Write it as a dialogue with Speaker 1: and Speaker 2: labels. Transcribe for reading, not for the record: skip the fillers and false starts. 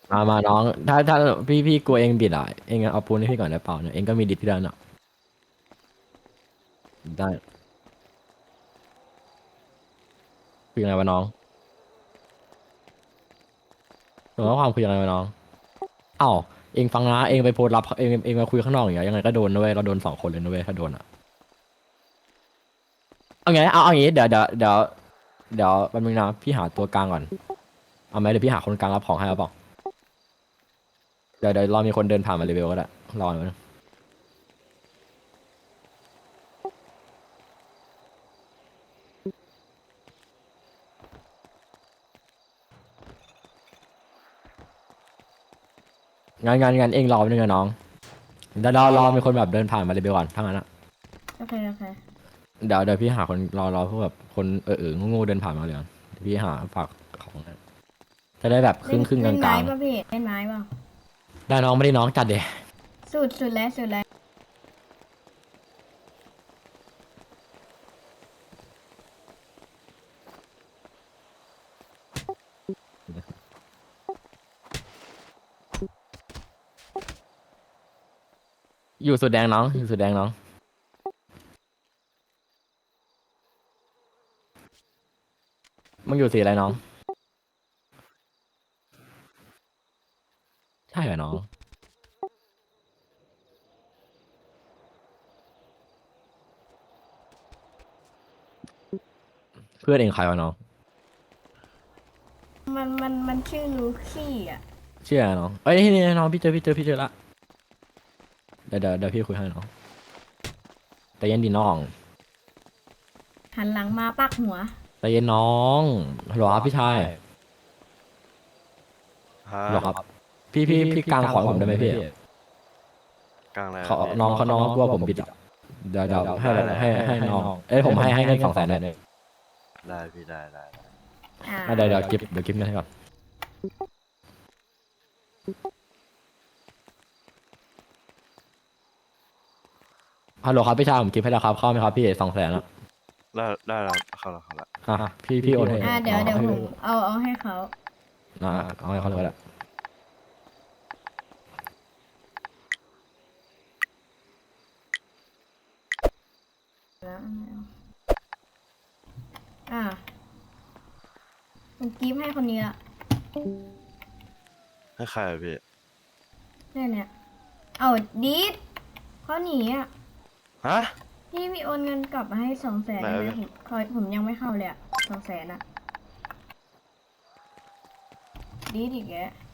Speaker 1: มาน้องถ้าพี่กลัวเองบิดอ่ะเองเอาปูนให้พี่ก่อนได้เปล่าเนี่ยเองก็มีดิสที่ด้านอ่ะได้คือยังไงวะน้องหรือว่าความคือยังไงวะน้องเอ้าเองฟังนะเองไปโพสต์รับเองมาคุยข้างนอกอย่างเงี้ยยังไงก็โดนนะเว้ยเราโดน2 คนเลยนะเว้ยถ้าโดนอ่ะเอาไงเอาอย่างงี้เดี๋ยวแป๊บนึงนะพี่หาตัวกลางก่อนเอาไหมเดี๋ยวพี่หาคนกลางรับของให้เอาเปล่าเดี๋ยวรอมีคนเดินผ่านมาเลเวลก็ได้รอหน่อยนะงานเองรอไปบนึงนะน้องเดี๋ยวรอมีคนแบบเดินผ่านมาเลเวลก่อนทั้างนั้นอะ
Speaker 2: โอเคโอเค
Speaker 1: เดี๋ยวพี่หาคนรอพวกแบบคนงูๆเดินผ่านมาเลยก่อนเดี๋ยวพี่หาฝากของให้จะได้แบบค
Speaker 2: เล่น
Speaker 1: รึ่งก
Speaker 2: เล่นไม้
Speaker 1: ลาง
Speaker 2: ป่ะพี่เล่นไม้ป่ะ
Speaker 1: ๆได้น้องไม่ได้น้องจัดเดย
Speaker 2: สุดแล้ว
Speaker 1: อยู่สุดแดงน้องอยู่สุดแดงน้องมึงอยู่สีอะไรน้องใช่เหรอน้องเพื่อนเองใครวะน้อง
Speaker 2: มันชื่อลูคี้อ่ะ
Speaker 1: ชื่ออะไรน้องเอ้ยนี่น้องพี่เจอละเดี๋ยวพี่คุยให้น้องแต่เย็นดีน้อง
Speaker 2: หันหลังมาปักหัว
Speaker 1: แต่เย็นน้องฮัลโหลครับพี่ชาย
Speaker 3: ฮะ
Speaker 1: ฮัลโหลครับพี่กลางขอให้ผมได้ไหมพี่
Speaker 3: กลางอะไร
Speaker 1: ขอ
Speaker 3: อะพี่
Speaker 1: น้องกลัวผมบิดอ่ะเดี๋ยวให้น้องเอ้ยผมให้เงิน200,000เลย
Speaker 3: ได้พี่ได้
Speaker 2: อ่า
Speaker 1: เดี๋ยวเก็บเงินให้ก่อนฮัลโหลครับพี่ชายผมเก็บให้แล้วครับเข้าไหมครับพี่200,000อ่ะ
Speaker 3: ได้แล้วเข้าแล้ว
Speaker 1: พี่โอนให้
Speaker 2: เดี๋ยว
Speaker 1: ให้
Speaker 2: ผมเอาให้เขา
Speaker 1: เอาให้เขาเลยก็ได้
Speaker 2: แล้วอ่าผมกิฟต์ให้คนนี้ละ
Speaker 3: ให้ใครอะพี่
Speaker 2: เนี่ยเอาดีดเขาหนีอ่ะ
Speaker 3: ฮะ
Speaker 2: พี่โอนเงินกลับมาให้200,000
Speaker 3: ไหน
Speaker 2: ได้ไหม
Speaker 3: วะพี่
Speaker 2: ผมยังไม่เข้าเลยอ่ะ200,000อ่ะดีดอีกแก